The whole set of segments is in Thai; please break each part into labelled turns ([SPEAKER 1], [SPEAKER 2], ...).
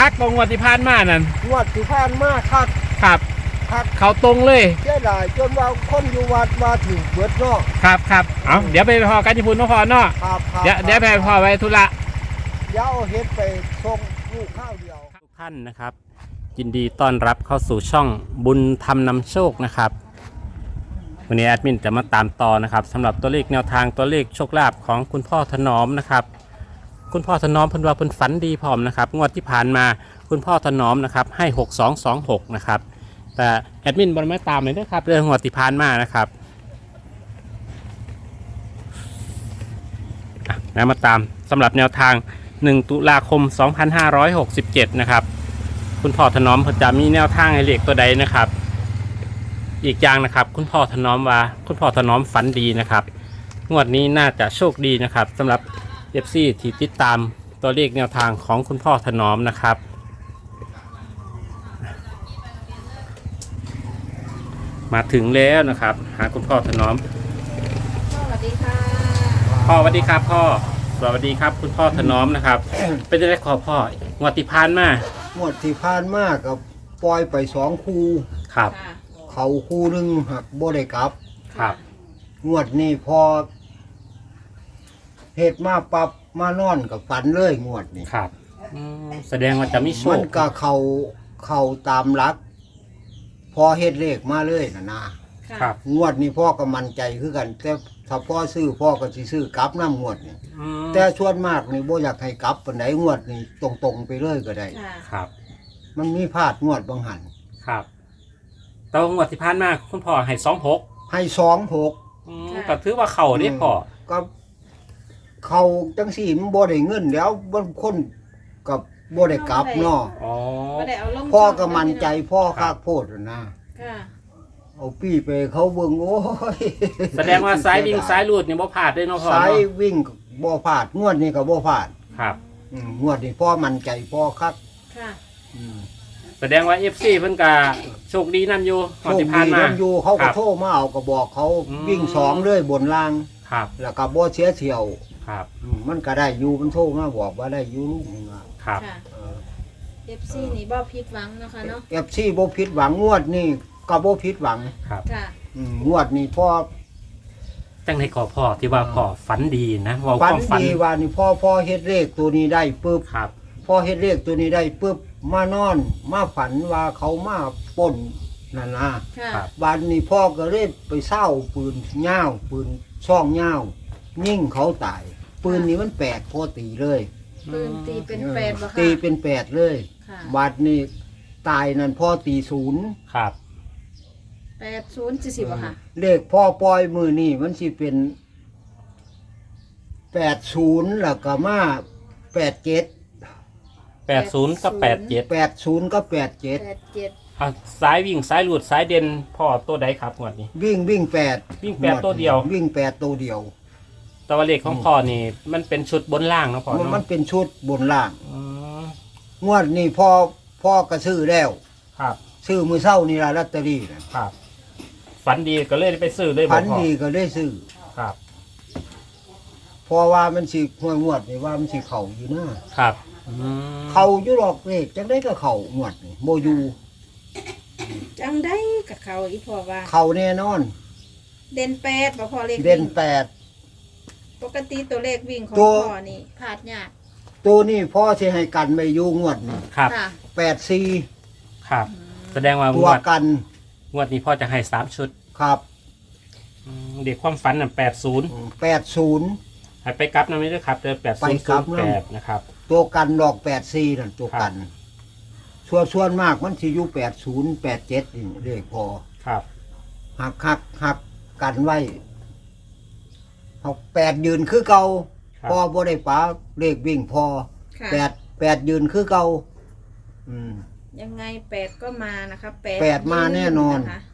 [SPEAKER 1] คักตรงงวดที่ผ่านมานั่น
[SPEAKER 2] งวดที่ผ่านมาคัก
[SPEAKER 1] ครับ
[SPEAKER 2] คัก
[SPEAKER 1] เขาตรงเลย
[SPEAKER 2] เสียดายจนว่าคนอยู่วัดมาถึงเบิดเนาะ
[SPEAKER 1] ครับเอาเดี๋ยวไปพอกันที่พุ่นนครเนาะ
[SPEAKER 2] ครับ
[SPEAKER 1] เดี๋ยวไปพอไว้ธุระ
[SPEAKER 2] เดี๋ยวเอาเฮ็ดไปส่งลูกข้าวเดียว
[SPEAKER 1] ทุกท่านนะครับยินดีต้อนรับเข้าสู่ช่องบุญธรรมนำโชคนะครับวันนี้แอดมินจะมาตามต่อนะครับสำหรับตัวเลขแนวทางตัวเลขโชคลาภของคุณพ่อถนอมนะครับคุณพ่อถนอมเพิ่นว่าเพิ่นฝันดีพร้อมนะครับงวดที่ผ่านมาคุณพ่อถนอมนะครับให้6226นะครับแต่แอดมินบอลไม่ตามเลยนะครับเรื่องงวดที่ผ่านมานะครับนะมาตามสำหรับแนวทาง1 ตุลาคม 2567นะครับคุณพ่อถนอมจะมีแนวทางให้เลขตัวใดนะครับอีกอย่างนะครับคุณพ่อถนอมว่าคุณพ่อถนอมฝันดีนะครับงวดนี้น่าจะโชคดีนะครับสำหรับ FC ที่ติดตามตัวเลขแนวทางของคุณพ่อถนอมนะครับมาถึงแล้วนะครับหาคุณพ่อถนอม
[SPEAKER 3] สวัสดีค่ะ
[SPEAKER 1] พ่อสวัสดีครับพ่อสวัสดีครับคุณพ่อถนอมนะครับ เป็นจะได้ขอพ่องวดที่ผ่านมาง
[SPEAKER 2] วดที่ผ่านมากับปล่อยไป2คู่
[SPEAKER 1] ครับ
[SPEAKER 3] ค่ะ
[SPEAKER 2] เขาคู่หนึงหักบ่ได้กลับ
[SPEAKER 1] ครับ
[SPEAKER 2] งวดนี้พอเฮ็ดมาปรับมานอนกับฝันเลยงวดนี้
[SPEAKER 1] ครับแสดงว่าจะมีโช
[SPEAKER 2] มั
[SPEAKER 1] คน
[SPEAKER 2] ก็เข้าตามหลัก พอเฮ็ดเลขมาเลยนะ
[SPEAKER 3] ค่ะ
[SPEAKER 1] ครับ
[SPEAKER 2] งวดนี้พ่อก็มั่นใจคือกัน แต่ถ้าพ่อซื้อพ่อก็สิซื้อกลับน้ำงวดนี่
[SPEAKER 1] อืม
[SPEAKER 2] แต่ส่วนมากนี่บ่อยากให้กลับปานใดงวดนี่ตรงๆไปเลยก็ได้
[SPEAKER 3] ค่ะ
[SPEAKER 1] ครับ
[SPEAKER 2] มันมีพลาดงวดบางหัน
[SPEAKER 1] ครับแต่ว่างวดที่ผ่านมาคุณพ่อให้26
[SPEAKER 2] ให้26
[SPEAKER 1] ก็ถือว่าเข่าได้พ่อ
[SPEAKER 2] ก็เขาจังสี่มันบ่ได้เงินแล้วบางคนกับบ่ได้กลับเนาะ
[SPEAKER 1] อ๋อ
[SPEAKER 3] ไม่ได้เอาลง
[SPEAKER 2] พ่อก็มั่นใจพ่อคักโพดน่ะนะ
[SPEAKER 3] ค่ะ
[SPEAKER 2] เอาปี้ไปเขาเบิ่งโอ้ย
[SPEAKER 1] แสดงว่าสายวิ่งสายลูดเนี่ยบ่พลาดได้เนาะพ่อ
[SPEAKER 2] สาย
[SPEAKER 1] เนาะ
[SPEAKER 2] วิ่งบ่พลาดงวดนี้ก็บ่พลาด
[SPEAKER 1] ครับ
[SPEAKER 2] งวดนี้พ่อมั่นใจพ่อคัก
[SPEAKER 3] ค่ะ
[SPEAKER 1] แสดงว่า FC เพิ่นก็โชคดีนํอยู่ง
[SPEAKER 2] โช
[SPEAKER 1] วด
[SPEAKER 2] ค
[SPEAKER 1] ที่ผ่าน
[SPEAKER 2] ดี
[SPEAKER 1] มา
[SPEAKER 2] นํอยู่เขา
[SPEAKER 1] ค
[SPEAKER 2] ก็
[SPEAKER 1] รับ
[SPEAKER 2] โทรมาเอาก็บอกเขา
[SPEAKER 1] อืม
[SPEAKER 2] วิ่ง2เลยบนล่าง
[SPEAKER 1] ครับ
[SPEAKER 2] แล้วก็บ่เสียเที่ยว
[SPEAKER 1] ครับ
[SPEAKER 2] มันก็ได้อยู่มันโทรมาบอกว่าได้อยู่ลูกนึงอ่ะ
[SPEAKER 1] ครับ
[SPEAKER 3] ค่ะ FC นี่บ่ผิดหวังเนาะค่ะเนาะ
[SPEAKER 2] FC บ่ผิดหวังงวดนี้ก็บ่ผิดหวัง
[SPEAKER 1] ครับ
[SPEAKER 3] ค่ะ
[SPEAKER 2] งวดนี้พ่อ
[SPEAKER 1] จังได๋ขอพ่อที่ว่าพ่อฝันดีนะเว้าค
[SPEAKER 2] ฝัน
[SPEAKER 1] วามฝัน
[SPEAKER 2] ดีว่านี่พ่อเฮ็ดเลขตัวนี้ได้ปึ๊บ
[SPEAKER 1] ครับ
[SPEAKER 2] พ่อเฮ็ดเลขตัวนี้ได้ปึ๊บมานอนมาฝันว่าเขามาปล้นนั่นนะ
[SPEAKER 3] ค่ะ
[SPEAKER 1] ครับ
[SPEAKER 2] วันนี้พ่อก็เลยไปเศร้าปืนย่าวปืนช่องย่าวยิ่งเขาตาย ปืนนี้มันแปดพ่อตีเลย
[SPEAKER 3] ปืนตีเป็นแปดบ่ค่ะ
[SPEAKER 2] ตีเป็นแปดเลย
[SPEAKER 3] ค่ะ
[SPEAKER 2] บัดนี้ตายนั่นพ่อตีศูนย์
[SPEAKER 1] ครับ
[SPEAKER 3] 80 บ่ค่ะ
[SPEAKER 2] เลขพ่อปล่อยมือนี่มันสิเป็น80แล้วก็มา87
[SPEAKER 1] 80กับ87
[SPEAKER 2] 80ก็87
[SPEAKER 3] 87
[SPEAKER 1] อ่ะสายวิ่งสายหลุดสายเด่นพ่อตัวใดครับงวดนี้
[SPEAKER 2] วิ่ง8
[SPEAKER 1] วิ่ง8ตัวเดียว
[SPEAKER 2] วิ่ง8ตัวเดียว
[SPEAKER 1] แต่ว่าเลขของพ่อนี่มันเป็นชุดบนล่างเนาะพ่อ
[SPEAKER 2] มัน
[SPEAKER 1] เนาะ
[SPEAKER 2] เป็นชุดบนล่าง
[SPEAKER 1] อืม
[SPEAKER 2] งวดนี้พ่อก็ซื้อแล้ว
[SPEAKER 1] ครับ
[SPEAKER 2] ซื้อมือเศร้านี่ละลอตเตอรี่น่ะ
[SPEAKER 1] ครับฝันดีก็เลยไปซื้อเลยบ
[SPEAKER 2] พั
[SPEAKER 1] อก
[SPEAKER 2] น
[SPEAKER 1] พ่อ
[SPEAKER 2] ดีก็ได้ซื้อ
[SPEAKER 1] ครับ
[SPEAKER 2] เพราะว่ามันสิงวดนี่ว่ามันสิเข่าอยู่นะครับ
[SPEAKER 1] อืม
[SPEAKER 2] เข่าอยู่หรอกเลขจังได้ก็เข่างวดนี่โมยู
[SPEAKER 3] จังได้กับเขาอีพ่อว่า
[SPEAKER 2] เข่าแน่นอน
[SPEAKER 3] เด่น8บ่พอเลข
[SPEAKER 2] เด่น
[SPEAKER 3] วิ่ง
[SPEAKER 2] แปด
[SPEAKER 3] ปกติตัวเลขวิ่งของ
[SPEAKER 2] ตัว
[SPEAKER 3] พ่อนี่พลาดยาก
[SPEAKER 2] ตัวนี้พ่อสิให้กันไม่อยู่งวดนี่
[SPEAKER 1] ครับ
[SPEAKER 3] ค่ะ
[SPEAKER 2] 84
[SPEAKER 1] ครับ แสดงว่าง
[SPEAKER 2] ตัว
[SPEAKER 1] วด
[SPEAKER 2] กัน
[SPEAKER 1] งวดนี้พ่อจะให้3ชุด
[SPEAKER 2] ครับ
[SPEAKER 1] เด็กความฝันน่ะ80
[SPEAKER 2] 80
[SPEAKER 1] ให้ไปกลับนะไม่ได้ครับเจอ
[SPEAKER 2] ไปกลับนะ
[SPEAKER 1] 8008นะครับ
[SPEAKER 2] ตัวกันดอก84นั่นตัวกันส่วนมากมันสิอยู่80 87นี่เลขพอ
[SPEAKER 1] ครับ
[SPEAKER 2] หักกันไว้เอา8ยืนคือเก่า
[SPEAKER 1] ครับ
[SPEAKER 2] พอบ่ได้ป๋าเลขวิ่งพอ
[SPEAKER 3] ค่ะ
[SPEAKER 2] 8ยืนคือเก่าอืม
[SPEAKER 3] ยังไง8ก็มานะคะ
[SPEAKER 2] แปดมาแน่นอน
[SPEAKER 3] ะคะ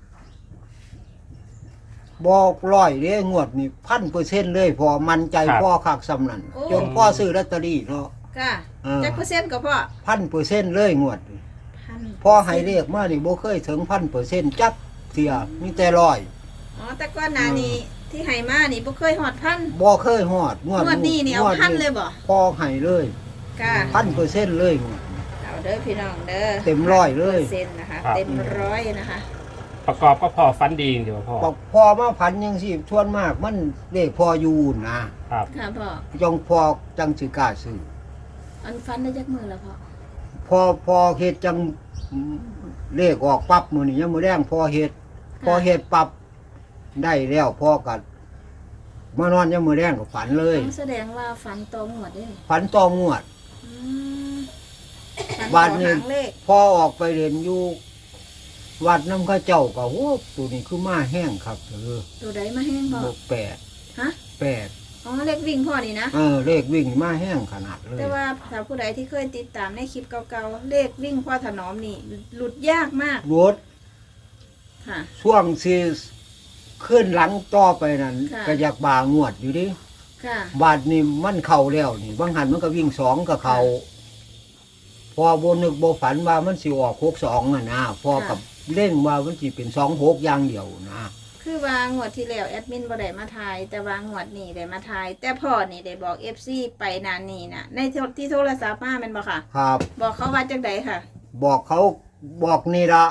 [SPEAKER 2] บอกร้อยเด้งวดนี่1,000%เลยพอมั่นใจ
[SPEAKER 1] ครับ
[SPEAKER 2] พ่อคักสำนั่น
[SPEAKER 3] โอ้
[SPEAKER 2] จนพ่อซื้อลอตเตอรี่เนาะ
[SPEAKER 3] ค่ะ จักเปอร์เซ็นต์ก็พ่อ
[SPEAKER 2] 1,000%เลยงวดนี่
[SPEAKER 3] 1,000%
[SPEAKER 2] พ่อให้เลขมานี่บ่เคยถึง 1,000%จักเที่ยมีแต่ร้อย
[SPEAKER 3] อ๋อแต่ก่อนหน้านี้ที่ให้มานี่บ่เคยฮอดพัน
[SPEAKER 2] บ่เคยฮอด
[SPEAKER 3] งวดนี้นี่เอาพันเลยบ่
[SPEAKER 2] พ่อให้เลย
[SPEAKER 3] ค่ะ
[SPEAKER 2] 1,000%เลยงวดนี้
[SPEAKER 3] เอาเด้อพี่น้องเด้อ
[SPEAKER 2] เต็มร้อยเลย
[SPEAKER 3] เซ็นนะคะเต็มร้อยนะคะ
[SPEAKER 1] ประกอบก็พอฟันดีเดี๋ยวพ่อ
[SPEAKER 2] บอกพอมาพันยังสิชวนมากมันเลขพออยู่นะครับ
[SPEAKER 3] ค่ะพ่อ
[SPEAKER 2] จงพอจังสิกล้าซื้อ
[SPEAKER 3] อันฟันได้จักมือแล้วพ่อ
[SPEAKER 2] พอเฮ็ดจังเลขออกปั๊บมื้อนี้ยังมื้อแรงพอเฮ็ดปั๊บได้แล้วพอกันมานอนยังมื้อแรงก็ฝันเลย
[SPEAKER 3] ต้องแสดงว่าฟันตรงหมดเลย
[SPEAKER 2] ฝันต่องวด
[SPEAKER 3] อืมฟัน
[SPEAKER 2] บ้าน
[SPEAKER 3] ต่อ
[SPEAKER 2] นี้
[SPEAKER 3] หางเลข
[SPEAKER 2] พอออกไปเรียนอยู่วัดน้ำข้าเจ้าก็โอ้ตัวนี้คือมาแห้งครับ
[SPEAKER 3] ตัวใดมาแห้งพ่อ
[SPEAKER 2] บอก
[SPEAKER 3] ฮะ
[SPEAKER 2] 8
[SPEAKER 3] อ๋อเลขวิ่งพ่อนี่นะ
[SPEAKER 2] เลขวิ่งมาแห้งขนาดเลย
[SPEAKER 3] แต่ว่าถ้าผู้ใดที่เคยติดตามในคลิปเก่าๆเลขวิ่งพ่อถนอมนี่ หลุดยากมาก
[SPEAKER 2] รถ
[SPEAKER 3] ค่ะ
[SPEAKER 2] ช่วงสิขึ้นหลังต่อไปนั้น
[SPEAKER 3] ค่ะ
[SPEAKER 2] ก็อยากบางวดอยู่ดิ
[SPEAKER 3] ค่ะ
[SPEAKER 2] บาทนี่มันเข่าแล้วนี่บางหันมันก็วิ่ง2กับเขาพอโบนึกโบฝันว่ามันสิออก62นะพอกับเล่นว่ามันสิเป็น26อย่างเดียวนะ
[SPEAKER 3] คือวางวดที่แล้วแอดมินบ่ได้มาทาย แต่วางวดนี่ได้มาทาย แต่พ่อนี่ได้บอก FC ไปนานนี่นะในที่โทรศัพท์มาแม่นบ่ค่ะ
[SPEAKER 2] ครับ
[SPEAKER 3] บอกเขาว่าจังไดค่ะ
[SPEAKER 2] บอกเขาบอกนี่ละ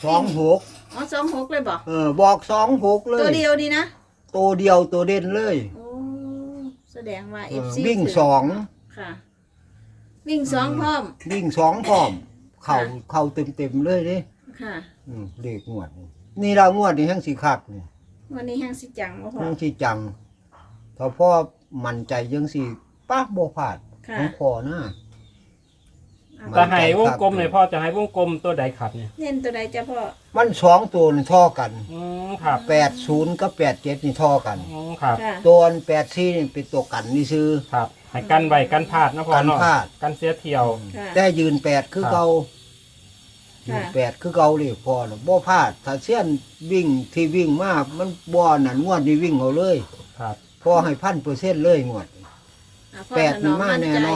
[SPEAKER 2] 26
[SPEAKER 3] อ๋อ26เลยบ่
[SPEAKER 2] บอก26เลย
[SPEAKER 3] ตัวเดียวดีนะ
[SPEAKER 2] ตัวเดียวตัวเด่นเลย
[SPEAKER 3] โอ้แสดงว่า FC
[SPEAKER 2] วิ่ง
[SPEAKER 3] ถื
[SPEAKER 2] สอง
[SPEAKER 3] ค่ะ วิ่ง2พร้อม
[SPEAKER 2] วิ่ง2พร้อมเข่า
[SPEAKER 3] ค่ะ
[SPEAKER 2] เข่าเต็มๆเลยดิ
[SPEAKER 3] ค่ะ
[SPEAKER 2] เลขงวดนี่เรางวดนี่แห้งสีคักนี่
[SPEAKER 3] วันนี้แห้งสิจังบ่พ่อ
[SPEAKER 2] แห้งสีจังถ้าพ่อมั่นใจยังสีป้าบ่พลาด
[SPEAKER 3] ค่ะ
[SPEAKER 2] ของพ่อนะ
[SPEAKER 3] อ่ะ
[SPEAKER 1] จะให้วงกลมเลยพ่อจะให้วงกลมตัวใดครับเนี่ย
[SPEAKER 3] เน้นตัวใดจ้ะพ่อ
[SPEAKER 2] มัน2ตัวนี่เท่อกัน
[SPEAKER 1] ครับ
[SPEAKER 2] 80กับ87นี่เท่อกัน
[SPEAKER 1] ครับ
[SPEAKER 3] ค่ะ
[SPEAKER 2] ตัว84นี่เป็นตัวกันนี่ซื้อ
[SPEAKER 1] ครับให้กันไว้กันพลาดนะพ่อเนาะ
[SPEAKER 2] กันพลาด
[SPEAKER 1] กันเสียเที่ยว
[SPEAKER 3] ค่ะ
[SPEAKER 2] แต่ยืน8คือเก่ายื
[SPEAKER 3] ค่ะ
[SPEAKER 2] น8คือเก่าเลยพ่อน่ะบ่พลาดถ้าเส้นวิ่งที่วิ่งมามันบ่นั่นงวดนี่วิ่งเอาเลย
[SPEAKER 1] ครับ
[SPEAKER 2] พอให้ 1,000% เลยงวด
[SPEAKER 3] อ่ะพ่อ
[SPEAKER 2] แปด
[SPEAKER 3] ถนอม
[SPEAKER 2] นี่มา
[SPEAKER 3] มั่น
[SPEAKER 2] แน่
[SPEAKER 3] ใจ
[SPEAKER 2] นอน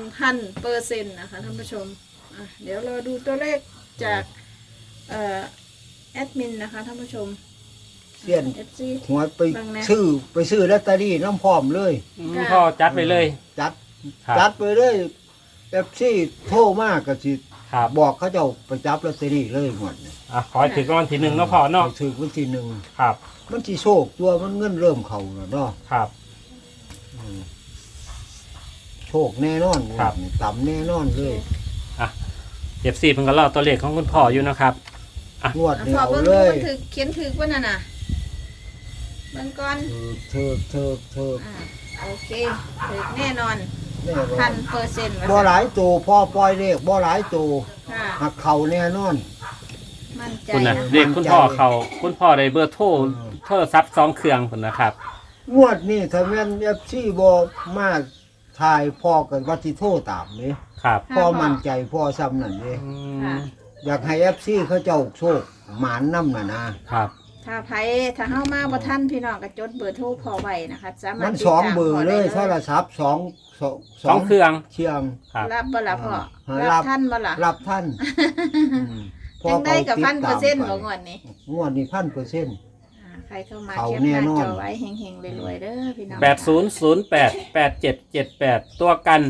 [SPEAKER 3] 1,000%นะคะท่านผู้ชมอ่ะเดี๋ยวเราดูตัวเลขจากแอดมินนะคะท่านผู้ชม
[SPEAKER 2] เสี้ยน
[SPEAKER 3] FC
[SPEAKER 2] หัวไป
[SPEAKER 3] บ้างนะ
[SPEAKER 2] ซื้อลอตเตอรี่น้ำพร้อมเลย
[SPEAKER 3] ค่ะ
[SPEAKER 1] พ่อจัดไปเลย
[SPEAKER 2] จัด
[SPEAKER 1] ครับ
[SPEAKER 2] จัดไปเลยแบบซี่โทรมากก็สิ
[SPEAKER 1] ครับ
[SPEAKER 2] บอกเขาเจ้าไปจับลอตเตอรี่เลยหมดเนี่ย
[SPEAKER 1] ขอให้ถึงรางวัลที่1เนาะพ่อเนาะ
[SPEAKER 2] ไปถือวันที่หนึ่ง
[SPEAKER 1] ครับ
[SPEAKER 2] มันสิโชคตัวมันเงินเริ่มเข้าแล้วเนาะ
[SPEAKER 1] ครับ
[SPEAKER 2] อืมโชคแน่นอน
[SPEAKER 1] ครับ
[SPEAKER 2] ต่ำแน่นอนเลย
[SPEAKER 1] เก็บ4เพิ่นก็รอตัวเลขของคุณพ่ออยู่นะครับ
[SPEAKER 2] งวด
[SPEAKER 3] อ่ะ
[SPEAKER 2] นี้
[SPEAKER 3] พ่อ
[SPEAKER 2] เอา
[SPEAKER 3] เบิ่ง
[SPEAKER 2] เล
[SPEAKER 3] ดู
[SPEAKER 2] ย
[SPEAKER 3] มันถือเขียนถือว่านั่นน่ะเบิ่งก่อน
[SPEAKER 2] เธอ
[SPEAKER 3] อ่าโอเคถือแน่นอน
[SPEAKER 2] แน่นอน
[SPEAKER 3] 1,000%
[SPEAKER 2] บ่หลายตัวพ่อปล่อยเลขบ่หลายตัว
[SPEAKER 3] ค่ะ
[SPEAKER 2] หักเข้าแน่นอน
[SPEAKER 3] มั่นใจ
[SPEAKER 1] คุณนะ
[SPEAKER 3] นะ
[SPEAKER 1] เรียกคุณพ่อเขาคุณพ่อได้เบอร์โทรโทรศัพท์2เครื่องพุ่นนะครับ
[SPEAKER 2] งวดนี้ถ้าแม่น FC บ่มาถ่ายพ่อกันว่าสิโทรตามนี่
[SPEAKER 1] ครับ
[SPEAKER 2] พ่อมั่นใจพ่อซ้ำนั่นเด้
[SPEAKER 3] ค่ะ
[SPEAKER 2] อยากให้ FC เขาเจ้าโชคหมานนำน่ะนะครับ
[SPEAKER 3] ถ้าเฮามาบ่ทันพี่น้องก็จดเบอร์โทรพอไว้นะคะสามารถ
[SPEAKER 2] มัน
[SPEAKER 3] ติด
[SPEAKER 2] สอง
[SPEAKER 3] ตาม
[SPEAKER 2] เบอร์
[SPEAKER 3] พ่
[SPEAKER 2] เลย
[SPEAKER 3] ได้
[SPEAKER 2] โทรศัพท์สอง
[SPEAKER 1] สองเครื่อง
[SPEAKER 2] เชียง
[SPEAKER 1] ครับ
[SPEAKER 3] รับบ่ล่ะพ่อ
[SPEAKER 2] รั
[SPEAKER 3] รับ บท่านบ่ล่ะ
[SPEAKER 2] รับท่านอืม
[SPEAKER 3] จังได้กับ
[SPEAKER 2] ติดตาม
[SPEAKER 3] 1,000%
[SPEAKER 2] ไป
[SPEAKER 3] บ่งวดนี้
[SPEAKER 2] งวดนี้ 1,000%
[SPEAKER 3] ใครเข้ามา
[SPEAKER 2] เขา
[SPEAKER 3] แคป
[SPEAKER 2] แน่
[SPEAKER 3] หน้าน
[SPEAKER 2] อน
[SPEAKER 3] จอไว้เฮงๆรวยๆเด้อพี่น้อง
[SPEAKER 1] 80088778ตัวกัน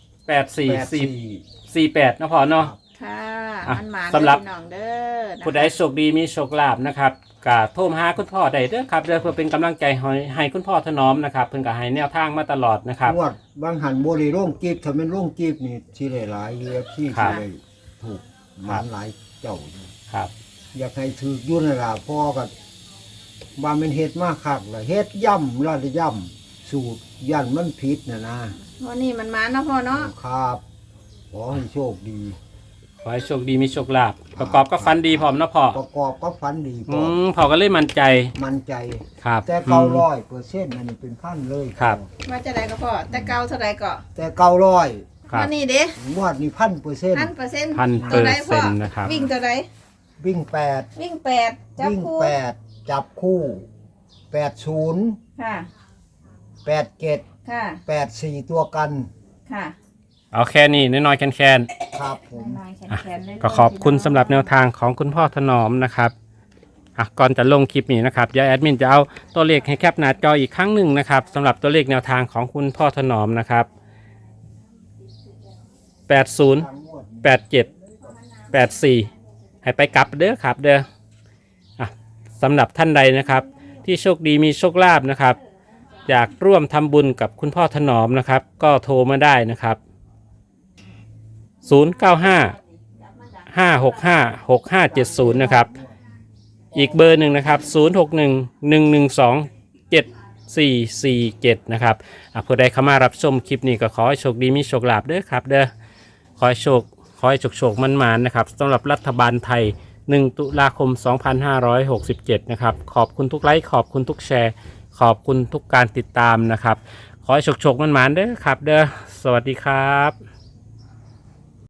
[SPEAKER 1] 8448นะพ่อเนาะ
[SPEAKER 3] ค่ะ
[SPEAKER 1] อ่ะ
[SPEAKER 3] มันหมา
[SPEAKER 1] สำหรับ
[SPEAKER 3] พี่น้องเด้อนะคะ
[SPEAKER 1] ผู้ใดโชคดีมีโชคลาภนะครับก็โทรมาหาคุณพ่อได้เด้อครับเพื่อเป็นกำลังใจให้คุณพ่อถนอมนะครับเพิ่นก็ให้แนวทางมาตลอดนะครับ
[SPEAKER 2] งวดบางหันบ่ได้โรงกีบถ้าแม่นโรงกีบนี่สิได้หลาย UFC
[SPEAKER 1] ครั
[SPEAKER 2] สิ
[SPEAKER 1] บ
[SPEAKER 2] ได้ถูกหมานหลายเจ้าอยู่
[SPEAKER 1] ครับ
[SPEAKER 2] อยากให้ถือยุ่นนล่ะพ่อกับว่ามันเฮ็ดมากคักล่ะเฮ็ดย่ำแล้วย่ำสูตรยันมันผิดนะ
[SPEAKER 3] วันนี้มันหมาเนาะพ่อเนาะ
[SPEAKER 2] ครับขอให้โชคดี
[SPEAKER 1] ขอให้โชคดีมีโชคลาภประกอบกับฟันดีพร้อมเนาะพ่อ
[SPEAKER 2] ประกอบก็ฝันดีพ่อ
[SPEAKER 1] พ่อก็เลยมั่นใจ
[SPEAKER 2] มั่นใจ
[SPEAKER 1] ครับ
[SPEAKER 2] แต่900%อันนี้เป็นพันเลย
[SPEAKER 1] ครับ
[SPEAKER 3] ว่าจะได้ก็พ่อแต่เก่าเท่าใดก็
[SPEAKER 2] แต่900
[SPEAKER 1] ครับ
[SPEAKER 3] วันนี้เด้
[SPEAKER 2] งวดนี้ 1,000%
[SPEAKER 3] 1,000% ตัวใดพ่อ
[SPEAKER 1] 1,000%นะครับ
[SPEAKER 3] วิ่งตัวใด
[SPEAKER 2] วิ่ง
[SPEAKER 3] วิ่ง8
[SPEAKER 2] 8
[SPEAKER 3] จับ
[SPEAKER 2] วิ่ง
[SPEAKER 3] คู่
[SPEAKER 2] 8จับคู่80
[SPEAKER 3] ค่ะ
[SPEAKER 2] 87
[SPEAKER 3] ค่ะ
[SPEAKER 2] 84ตัวกัน
[SPEAKER 3] ค่ะ
[SPEAKER 1] เอาแค่นี้น้อยๆแคน
[SPEAKER 2] ครับผม
[SPEAKER 3] นายแขนๆเลย
[SPEAKER 1] ๆก็ขอบคุณสำหรับแนวทางของคุณพ่อถนอมนะครับก่อนจะลงคลิปนี้นะครับเดี๋ยวแอดมินจะเอาตัวเลขให้แคปหน้าจออีกครั้งหนึ่งนะครับสำหรับตัวเลขแนวทางของคุณพ่อถนอมนะครับ80 87 84ให้ไปกลับเด้อครับเด้อสำหรับท่านใดนะครับที่โชคดีมีโชคลาภนะครับอยากร่วมทำบุญกับคุณพ่อถนอมนะครับก็โทรมาได้นะครับ095-565-6570นะครับอีกเบอร์หนึ่งนะครับ0611127447นะครับผู้ใดเข้ามารับชมคลิปนี้ก็ขอให้โชคดีมีโชคลาภเด้อครับเด้อขอให้โชคมันนะครับสำหรับรัฐบาลไทย1 ตุลาคม 2567นะครับขอบคุณทุกไลค์ขอบคุณทุกแชร์ขอบคุณทุกการติดตามนะครับขอให้โชคมันเด้อครับเด้อสวัสดีครับ